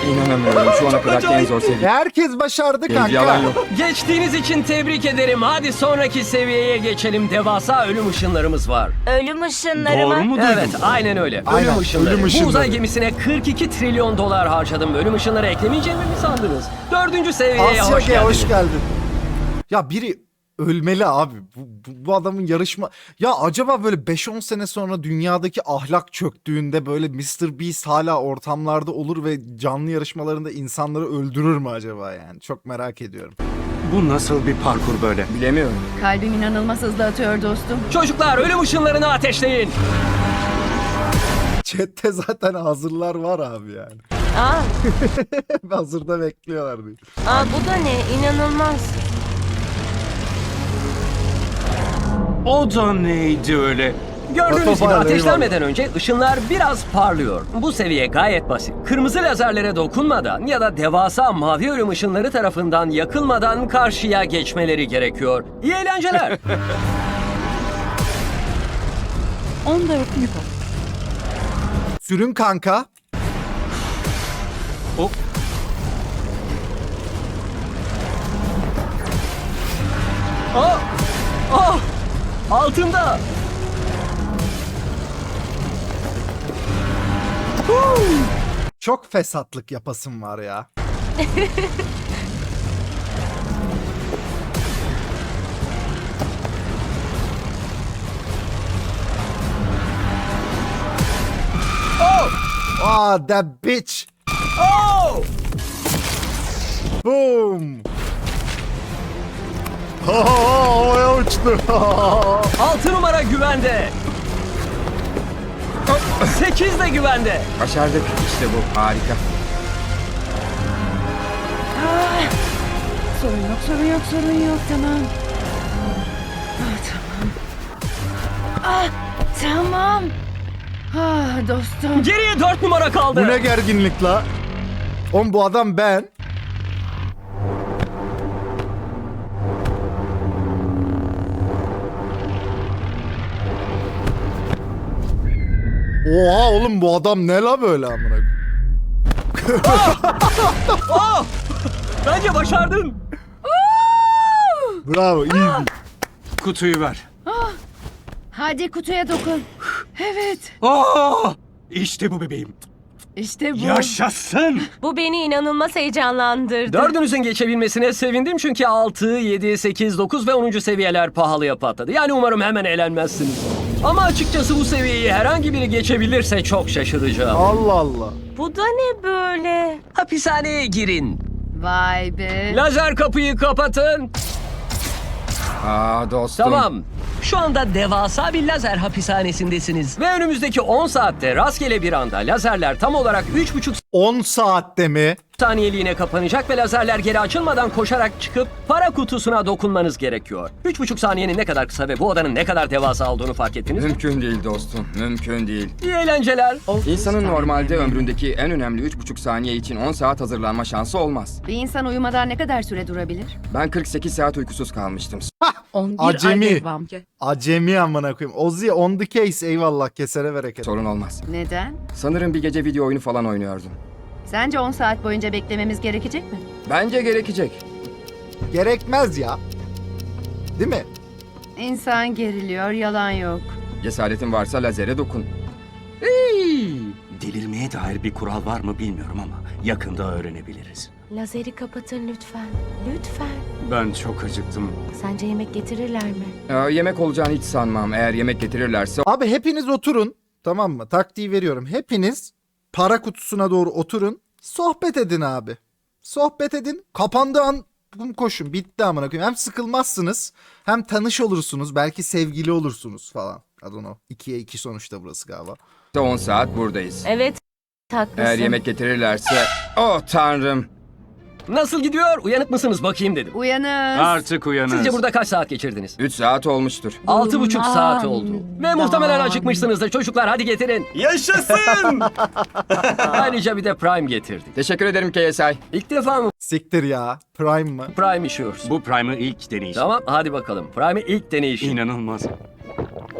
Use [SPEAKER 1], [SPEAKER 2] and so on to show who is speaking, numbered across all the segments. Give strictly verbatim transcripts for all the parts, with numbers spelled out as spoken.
[SPEAKER 1] İnanamıyorum. Şu ana kadar en zor seviye.
[SPEAKER 2] Herkes başardı
[SPEAKER 1] Benim yalan
[SPEAKER 2] kanka.
[SPEAKER 1] yok.
[SPEAKER 3] Geçtiğiniz için tebrik ederim. Hadi sonraki seviyeye geçelim. Devasa ölüm ışınlarımız var.
[SPEAKER 4] Ölüm ışınları
[SPEAKER 5] Doğru
[SPEAKER 4] mı?
[SPEAKER 5] mu duydum?
[SPEAKER 3] Evet, aynen öyle.
[SPEAKER 2] Aynen,
[SPEAKER 3] Ölüm ışınları.
[SPEAKER 2] ölüm
[SPEAKER 3] Bu
[SPEAKER 2] ışınları.
[SPEAKER 3] uzay gemisine kırk iki trilyon dolar harcadım. Ölüm ışınları eklemeyeceğimi mi sandınız? Dördüncü seviyeye
[SPEAKER 2] Asya
[SPEAKER 3] hoş
[SPEAKER 2] G,
[SPEAKER 3] geldiniz.
[SPEAKER 2] hoş geldin. Ya biri ölmeli abi. Bu, bu, bu adamın yarışma... Ya acaba böyle beş on sene sonra dünyadaki ahlak çöktüğünde böyle mister Beast hala ortamlarda olur ve canlı yarışmalarında insanları öldürür mü acaba yani? Çok merak ediyorum.
[SPEAKER 5] Bu nasıl bir parkur böyle?
[SPEAKER 1] Bilemiyorum.
[SPEAKER 6] Kalbim inanılmaz hızlı atıyor dostum.
[SPEAKER 3] Çocuklar ölüm ışınlarını ateşleyin.
[SPEAKER 2] Chat'te zaten hazırlar var abi yani.
[SPEAKER 4] Aa,
[SPEAKER 2] Hazırda bekliyorlar diyor.
[SPEAKER 4] aa bu da ne? İnanılmaz.
[SPEAKER 5] O da neydi öyle?
[SPEAKER 3] Gördüğünüz gibi
[SPEAKER 2] Otofar,
[SPEAKER 3] ateşlenmeden önce ışınlar biraz parlıyor. Bu seviye gayet basit. Kırmızı lazerlere dokunmadan ya da devasa mavi ölüm ışınları tarafından yakılmadan karşıya geçmeleri gerekiyor. İyi eğlenceler.
[SPEAKER 2] Sürün kanka.
[SPEAKER 5] O
[SPEAKER 3] Oh! Oh! Altında!
[SPEAKER 2] Çok fesatlık yapasım var ya. Ah, that bitch.
[SPEAKER 3] Oh!
[SPEAKER 2] Boom. Ha havaya uçtu.
[SPEAKER 3] Altı numara güvende. Sekiz de güvende.
[SPEAKER 1] Başardık. İşte bu. Harika.
[SPEAKER 6] Sorun yok, sorun yok, sorun yok. Tamam. Ah, tamam. Ah, tamam. Ah, dostum.
[SPEAKER 3] Geriye dört numara kaldı.
[SPEAKER 2] Bu ne gerginlik la? Oğlum bu adam ben. Oha oğlum bu adam ne la böyle amına koyayım?
[SPEAKER 3] Oh! Bence başardın.
[SPEAKER 2] Bravo iyi.
[SPEAKER 5] kutuyu ver.
[SPEAKER 6] Hadi kutuya dokun. Evet.
[SPEAKER 5] Aa! İşte bu bebeğim.
[SPEAKER 6] İşte bu.
[SPEAKER 5] Yaşasın.
[SPEAKER 4] Bu beni inanılmaz heyecanlandırdı.
[SPEAKER 3] Dördünüzün geçebilmesine sevindim çünkü altı, yedi, sekiz, dokuz ve onuncu seviyeler pahalıya patladı. Yani umarım hemen eğlenmezsiniz. Ama açıkçası bu seviyeyi herhangi biri geçebilirse çok şaşıracağım.
[SPEAKER 2] Allah Allah.
[SPEAKER 4] Bu da ne böyle?
[SPEAKER 3] Hapishaneye girin.
[SPEAKER 6] Vay be.
[SPEAKER 3] Lazer kapıyı kapatın.
[SPEAKER 1] Aa dostum.
[SPEAKER 3] Tamam. Şu anda devasa bir lazer hapishanesindesiniz. Ve önümüzdeki on saatte rastgele bir anda lazerler tam olarak üç buçuk
[SPEAKER 2] on saatte mi?
[SPEAKER 3] saniyeliğine kapanacak ve lazerler geri açılmadan koşarak çıkıp para kutusuna dokunmanız gerekiyor. üç buçuk saniyenin ne kadar kısa ve bu odanın ne kadar devasa olduğunu fark ettiniz mi?
[SPEAKER 1] Mümkün değil dostum. Mümkün değil.
[SPEAKER 3] İyi eğlenceler.
[SPEAKER 1] İnsanın normalde ömründeki en önemli üç buçuk saniye için on saat hazırlanma şansı olmaz.
[SPEAKER 6] Bir insan uyumadan ne kadar süre durabilir?
[SPEAKER 1] Ben kırk sekiz saat uykusuz kalmıştım.
[SPEAKER 2] Acemi. Acemi amına koyayım. Ozzy on the case eyvallah kesere bereket.
[SPEAKER 1] Sorun olmaz.
[SPEAKER 6] Neden?
[SPEAKER 1] Sanırım bir gece video oyunu falan oynuyordum.
[SPEAKER 6] Sence on saat boyunca beklememiz gerekecek mi?
[SPEAKER 1] Bence gerekecek.
[SPEAKER 2] Gerekmez ya. Değil mi?
[SPEAKER 6] İnsan geriliyor, yalan yok.
[SPEAKER 1] Cesaretin varsa lazere dokun.
[SPEAKER 5] Delirmeye dair bir kural var mı bilmiyorum ama yakında öğrenebiliriz.
[SPEAKER 4] Lazeri kapatın lütfen. Lütfen.
[SPEAKER 5] Ben çok acıktım.
[SPEAKER 4] Sence yemek getirirler mi?
[SPEAKER 1] Ee, yemek olacağını hiç sanmam. Eğer yemek getirirlerse
[SPEAKER 2] Abi hepiniz oturun. Tamam mı? Taktiği veriyorum. Hepiniz para kutusuna doğru oturun. Sohbet edin abi. Sohbet edin. Kapandığı an bum koşun. Bitti amına koyayım. Hem sıkılmazsınız hem tanış olursunuz. Belki sevgili olursunuz falan. I don't know. ikiye iki sonuçta burası galiba.
[SPEAKER 1] on saat buradayız.
[SPEAKER 4] Evet. Haklısın.
[SPEAKER 1] Eğer yemek getirirlerse... Oh tanrım.
[SPEAKER 3] Nasıl gidiyor? Uyanık mısınız bakayım dedim.
[SPEAKER 6] Uyanız.
[SPEAKER 5] Artık uyanız.
[SPEAKER 3] Sizce burada kaç saat geçirdiniz?
[SPEAKER 1] üç saat olmuştur.
[SPEAKER 3] Altı buçuk saat oldu. Ve muhtemelen acıkmışsınızdır. Çocuklar hadi getirin.
[SPEAKER 5] Yaşasın.
[SPEAKER 3] Ayrıca bir de Prime getirdik.
[SPEAKER 1] Teşekkür ederim K S I.
[SPEAKER 3] İlk defa mı
[SPEAKER 2] Siktir ya. Prime mı?
[SPEAKER 3] Prime işiyoruz?
[SPEAKER 5] Bu Prime'ı ilk deneyişim.
[SPEAKER 3] Tamam hadi bakalım. Prime'i ilk deneyişi.
[SPEAKER 5] İnanılmaz.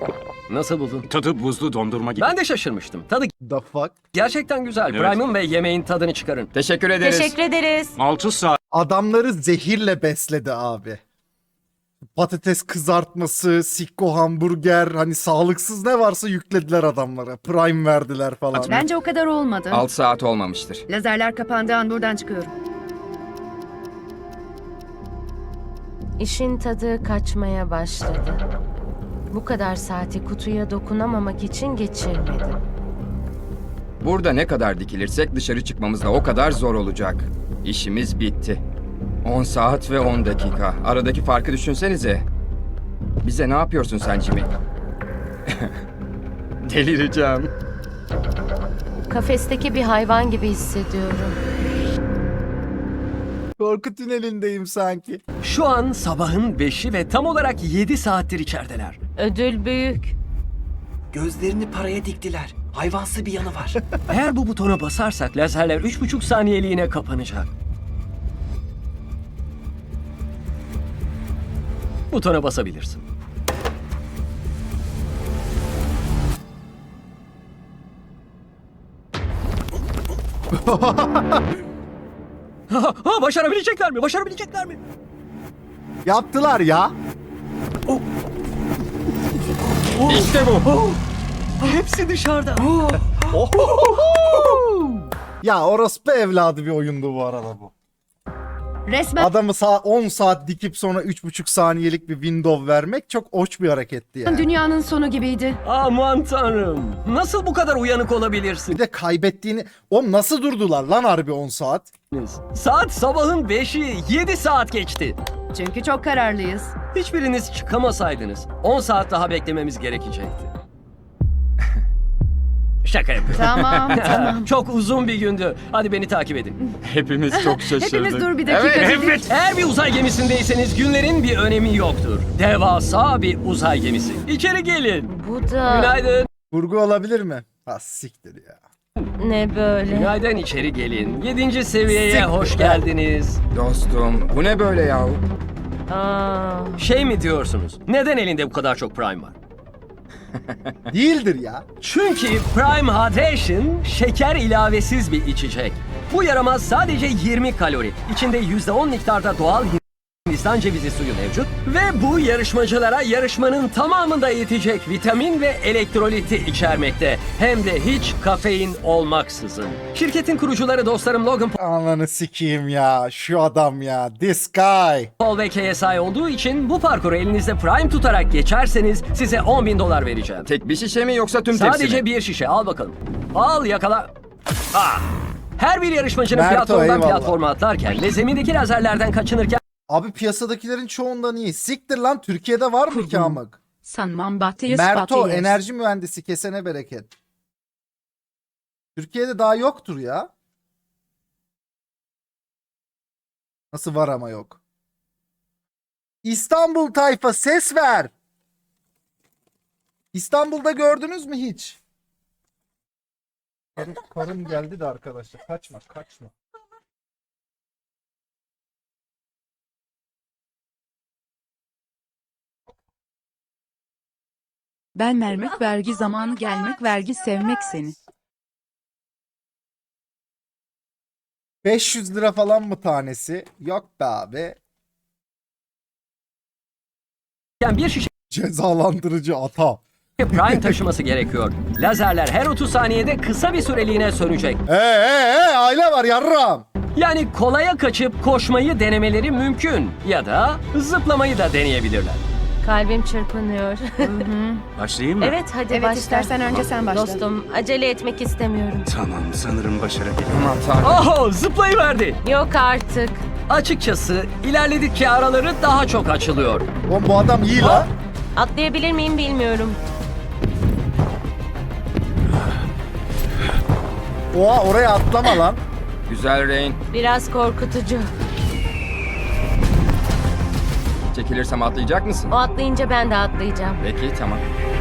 [SPEAKER 3] Nasıl buldun?
[SPEAKER 5] Tadı buzlu dondurma gibi.
[SPEAKER 3] Ben de şaşırmıştım. Tadı
[SPEAKER 2] The fuck?
[SPEAKER 3] gerçekten güzel.
[SPEAKER 5] Evet.
[SPEAKER 3] Prime'ın ve yemeğin tadını çıkarın.
[SPEAKER 1] Teşekkür ederiz.
[SPEAKER 4] Teşekkür ederiz.
[SPEAKER 5] altı saat
[SPEAKER 2] Adamları zehirle besledi abi. Patates kızartması, sikko hamburger, hani sağlıksız ne varsa yüklediler adamlara. Prime verdiler falan.
[SPEAKER 6] Bence o kadar olmadı.
[SPEAKER 1] altı saat olmamıştır.
[SPEAKER 6] Lazerler kapandığı an buradan çıkıyorum.
[SPEAKER 4] İşin tadı kaçmaya başladı. Bu kadar saati kutuya dokunamamak için geçirmedim.
[SPEAKER 1] Burada ne kadar dikilirsek dışarı çıkmamız da o kadar zor olacak. İşimiz bitti. on saat ve on dakika. Aradaki farkı düşünsenize. Bize ne yapıyorsun sen Jimmy? Delireceğim.
[SPEAKER 4] Kafesteki bir hayvan gibi hissediyorum.
[SPEAKER 2] Korku tünelindeyim sanki.
[SPEAKER 3] Şu an sabahın beşi ve tam olarak yedi saattir içerideler.
[SPEAKER 4] Ödül büyük.
[SPEAKER 7] Gözlerini paraya diktiler. Hayvansı bir yanı var.
[SPEAKER 3] Eğer bu butona basarsak lazerler üç buçuk saniyeliğine kapanacak. Butona basabilirsin. ha, ha, başarabilecekler mi? Başarabilecekler mi?
[SPEAKER 2] Yaptılar ya.
[SPEAKER 1] İşte bu.
[SPEAKER 3] Oh, hepsi dışarıda.
[SPEAKER 2] Ya orospu evladı bir oyundu bu arada bu.
[SPEAKER 6] Resmen
[SPEAKER 2] Adamı sağ on saat dikip sonra üç buçuk saniyelik bir window vermek çok hoş bir hareketti yani.
[SPEAKER 6] dünyanın sonu gibiydi.
[SPEAKER 3] Aman tanrım. Nasıl bu kadar uyanık olabilirsin?
[SPEAKER 2] Bir de kaybettiğini... Oğlum nasıl durdular lan harbi on saat?
[SPEAKER 3] Saat sabahın beşi. yedi saat geçti.
[SPEAKER 6] Çünkü çok kararlıyız.
[SPEAKER 3] Hiçbiriniz çıkamasaydınız on saat daha beklememiz gerekecekti. Şaka yapıyorum.
[SPEAKER 6] Tamam, tamam.
[SPEAKER 3] Çok uzun bir gündü. Hadi beni takip edin.
[SPEAKER 1] Hepimiz çok şaşırdık.
[SPEAKER 6] Hepimiz dur bir dakika
[SPEAKER 1] Evet,
[SPEAKER 6] dedik.
[SPEAKER 3] Eğer bir uzay gemisindeyseniz günlerin bir önemi yoktur. Devasa bir uzay gemisi. İçeri gelin.
[SPEAKER 4] Bu da
[SPEAKER 3] Günaydın.
[SPEAKER 2] Kurgu olabilir mi? Ha siktir ya.
[SPEAKER 4] ne böyle?
[SPEAKER 3] Günaydın, içeri gelin. Yedinci seviyeye hoş geldiniz.
[SPEAKER 1] Dostum bu ne böyle yahu?
[SPEAKER 4] Aa,
[SPEAKER 3] Şey mi diyorsunuz? Neden elinde bu kadar çok Prime var?
[SPEAKER 2] Değildir ya.
[SPEAKER 3] Çünkü Prime Hydration şeker ilavesiz bir içecek. Bu yaramaz sadece yirmi kalori. İçinde yüzde on miktarda doğal Hindistan cevizi suyu mevcut. Ve bu yarışmacılara yarışmanın tamamında yetecek vitamin ve elektroliti içermekte. Hem de hiç kafein olmaksızın. Şirketin kurucuları dostlarım Logan
[SPEAKER 2] Ananı sikeyim ya. Şu adam ya. This guy.
[SPEAKER 3] Paul ve K S I olduğu için bu parkuru elinizde Prime tutarak geçerseniz size on bin dolar vereceğim.
[SPEAKER 1] Tek bir şişe mi yoksa tüm tepsi
[SPEAKER 3] Sadece
[SPEAKER 1] mi?
[SPEAKER 3] bir şişe, al bakalım. Al, yakala. Ah! Her bir yarışmacının
[SPEAKER 2] Merto,
[SPEAKER 3] platformdan
[SPEAKER 2] eyvallah.
[SPEAKER 3] platforma atlarken ve zemindeki lazerlerden kaçınırken
[SPEAKER 2] Abi piyasadakilerin çoğundan iyi. Siktir lan, Türkiye'de var mı ki amık?
[SPEAKER 8] Sanmam Batı'yı
[SPEAKER 2] Merto
[SPEAKER 8] Batı'yı.
[SPEAKER 2] enerji mühendisi, kesene bereket. Türkiye'de daha yoktur ya. Nasıl var ama yok. İstanbul tayfa ses ver. İstanbul'da gördünüz mü hiç? Karım, karım geldi de arkadaşlar. Kaçma kaçma.
[SPEAKER 8] Ben vermek vergi zamanı gelmek vergi sevmek seni.
[SPEAKER 2] beş yüz lira falan mı tanesi? Yok be abi.
[SPEAKER 3] bir şişe
[SPEAKER 2] Cezalandırıcı ata.
[SPEAKER 3] Prime taşıması gerekiyor. Lazerler her otuz saniyede kısa bir süreliğine sönecek.
[SPEAKER 2] Ee ee ee aile var yarram.
[SPEAKER 3] Yani kolaya kaçıp koşmayı denemeleri mümkün. Ya da zıplamayı da deneyebilirler.
[SPEAKER 4] Kalbim çırpınıyor.
[SPEAKER 5] başlayayım mı?
[SPEAKER 4] evet hadi
[SPEAKER 6] Evet,
[SPEAKER 4] başla.
[SPEAKER 6] istersen önce sen başla.
[SPEAKER 4] Dostum acele etmek istemiyorum.
[SPEAKER 5] Tamam, sanırım başarabilirim.
[SPEAKER 1] Aman tanrım.
[SPEAKER 3] Oho, zıplayıverdi.
[SPEAKER 4] Yok artık.
[SPEAKER 3] Açıkçası ilerledikçe araları daha çok açılıyor.
[SPEAKER 2] Oğlum bu adam iyi la.
[SPEAKER 4] Atlayabilir miyim bilmiyorum.
[SPEAKER 2] Oha oraya atlama lan.
[SPEAKER 1] Güzel Rain.
[SPEAKER 4] Biraz korkutucu.
[SPEAKER 1] Çekilirsem atlayacak mısın?
[SPEAKER 4] O atlayınca ben de atlayacağım.
[SPEAKER 1] Peki tamam.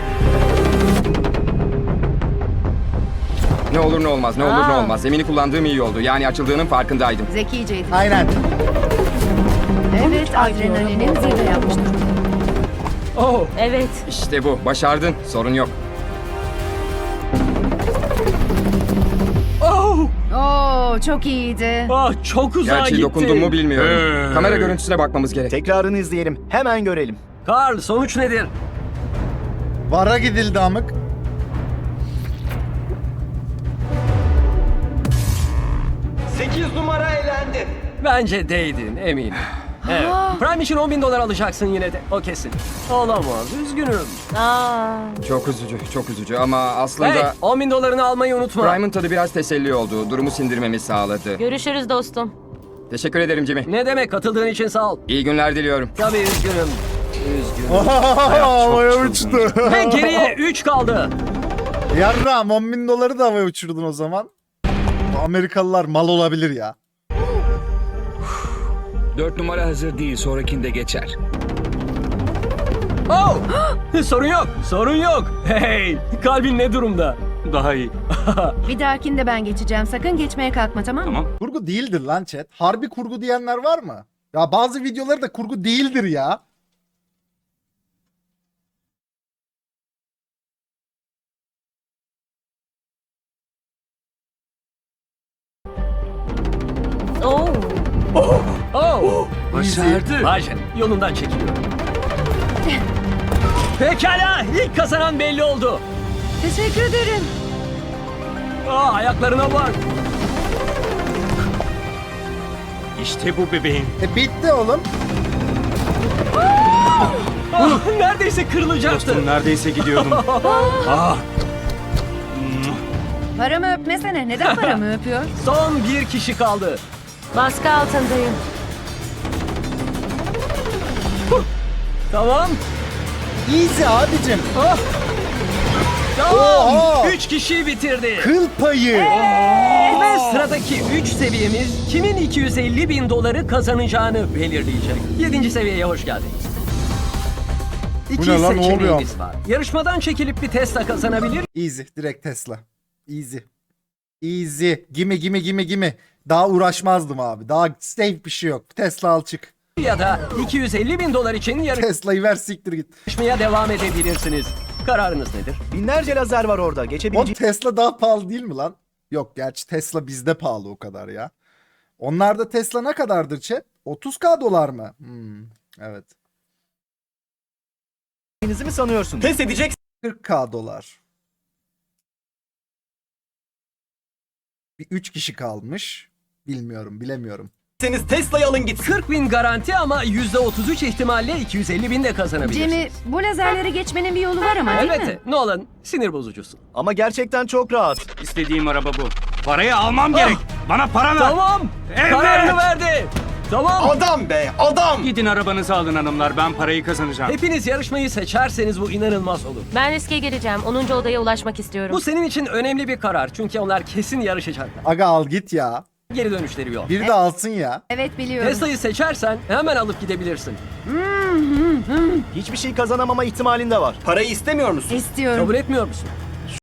[SPEAKER 1] Ne olur ne olmaz, ne olur ne
[SPEAKER 4] Aa.
[SPEAKER 1] olmaz. Zemini kullandığım iyi oldu. Yani açıldığının farkındaydım.
[SPEAKER 6] Zekiceydi.
[SPEAKER 2] Aynen.
[SPEAKER 6] Evet, adrenalinin zirve yapmış durumda.
[SPEAKER 3] Oh,
[SPEAKER 4] Evet.
[SPEAKER 1] İşte bu. Başardın. Sorun yok.
[SPEAKER 3] oh,
[SPEAKER 6] Oo, çok iyiydi.
[SPEAKER 3] ah, çok uzağa
[SPEAKER 1] Gerçi
[SPEAKER 3] gitti.
[SPEAKER 1] dokundum mu bilmiyorum. Kamera görüntüsüne bakmamız gerek.
[SPEAKER 9] Tekrarını izleyelim. Hemen görelim.
[SPEAKER 3] Karl, sonuç nedir?
[SPEAKER 2] Vara gidildi amık.
[SPEAKER 7] sekiz numara elendi.
[SPEAKER 3] Bence değdin, eminim. Evet. Prime için on bin dolar alacaksın yine de. O kesin. Olamaz, üzgünüm.
[SPEAKER 4] Aa,
[SPEAKER 1] Çok üzücü, çok üzücü ama aslında
[SPEAKER 3] Hey, on bin dolarını almayı unutma.
[SPEAKER 1] Prime'ın tadı biraz teselli oldu. Durumu sindirmemi sağladı.
[SPEAKER 4] görüşürüz dostum.
[SPEAKER 1] Teşekkür ederim Jimmy.
[SPEAKER 3] Ne demek, katıldığın için sağ ol.
[SPEAKER 1] İyi günler diliyorum.
[SPEAKER 3] Tabii üzgünüm. Üzgünüm.
[SPEAKER 2] Havaya uçtu.
[SPEAKER 3] Ve geriye üç kaldı.
[SPEAKER 2] Yarram on bin doları da havaya uçurdun o zaman. Bu Amerikalılar mal olabilir ya.
[SPEAKER 10] Dört numara hazır değil, sonrakinde geçer.
[SPEAKER 3] Oh! Sorun yok, sorun yok. Hey, kalbin ne durumda? Daha iyi.
[SPEAKER 6] Bir dahakinde ben geçeceğim. Sakın geçmeye kalkma, tamam mı?
[SPEAKER 10] Tamam.
[SPEAKER 2] Kurgu değildir lan chat. Harbi kurgu diyenler var mı? Ya bazı videoları da kurgu değildir ya.
[SPEAKER 4] Oo.
[SPEAKER 3] Oh!
[SPEAKER 10] Başardı.
[SPEAKER 3] Bajen, yolundan çekiliyorum. Pekala, ilk kazanan belli oldu.
[SPEAKER 6] Teşekkür ederim.
[SPEAKER 3] Aa, ayaklarına bak.
[SPEAKER 10] İşte bu bebeğim.
[SPEAKER 2] E bitti oğlum.
[SPEAKER 3] Ah, neredeyse kırılacaktı.
[SPEAKER 10] Neredeyse gidiyordum. ah,
[SPEAKER 6] Paramı öpmesene. Neden paramı öpüyor?
[SPEAKER 3] Son bir kişi kaldı.
[SPEAKER 4] Baskı altındayım.
[SPEAKER 3] Tamam.
[SPEAKER 2] Easy abicim.
[SPEAKER 3] Ah. Tamam.
[SPEAKER 2] Oha!
[SPEAKER 3] Üç kişiyi bitirdi.
[SPEAKER 2] Kıl payı.
[SPEAKER 3] Ve sıradaki üç seviyemiz kimin iki yüz elli bin doları kazanacağını belirleyecek. Yedinci seviyeye hoş geldiniz. İki
[SPEAKER 2] ne lan, ne
[SPEAKER 3] seçeneğimiz var. Yarışmadan çekilip bir Tesla kazanabilir
[SPEAKER 2] Easy. Direkt Tesla. Easy. Easy. Gimme gimme gimme gimme. Daha uğraşmazdım abi. Daha safe bir şey yok. Tesla al çık.
[SPEAKER 3] ya da iki yüz elli bin dolar için
[SPEAKER 2] Tesla'yı ver siktir git.
[SPEAKER 3] yarışmaya devam edebilirsiniz. Kararınız nedir?
[SPEAKER 9] Binlerce lazer var orada.
[SPEAKER 2] Oğlum
[SPEAKER 9] Geçebileceğin
[SPEAKER 2] Tesla daha pahalı değil mi lan? Yok gerçi Tesla bizde pahalı o kadar ya. Onlarda Tesla ne kadardır chat? otuz bin dolar mı? Hmm, evet.
[SPEAKER 9] mi sanıyorsun?
[SPEAKER 7] Pes edeceksiniz
[SPEAKER 2] kırk bin dolar. Bir üç kişi kalmış. Bilmiyorum bilemiyorum.
[SPEAKER 7] Tesla'yı alın gitsin.
[SPEAKER 3] kırk bin garanti ama yüzde otuz üç ihtimalle iki yüz elli bin de kazanabilirsiniz.
[SPEAKER 6] Jimmy, bu lazerleri geçmenin bir yolu var ama değil mi?
[SPEAKER 3] Evet, Nolan sinir bozucusun.
[SPEAKER 9] Ama gerçekten çok rahat.
[SPEAKER 10] istediğim araba bu. Parayı almam gerek. Bana para ver.
[SPEAKER 3] Tamam,
[SPEAKER 10] Evet.
[SPEAKER 3] kararını verdi. Tamam.
[SPEAKER 7] Adam be adam.
[SPEAKER 10] Gidin arabanızı alın hanımlar, ben parayı kazanacağım.
[SPEAKER 3] Hepiniz yarışmayı seçerseniz bu inanılmaz olur.
[SPEAKER 4] Ben riske gireceğim. onuncu odaya ulaşmak istiyorum.
[SPEAKER 3] Bu senin için önemli bir karar çünkü onlar kesin yarışacaklar.
[SPEAKER 2] Aga al git ya.
[SPEAKER 3] Geri dönüşleri yok.
[SPEAKER 2] Bir de alsın ya.
[SPEAKER 6] Evet, biliyorum.
[SPEAKER 3] Tesla'yı seçersen hemen alıp gidebilirsin.
[SPEAKER 9] Hiçbir şey kazanamama ihtimalin de var.
[SPEAKER 7] Parayı istemiyor musun?
[SPEAKER 6] İstiyorum.
[SPEAKER 3] Kabul etmiyor musun?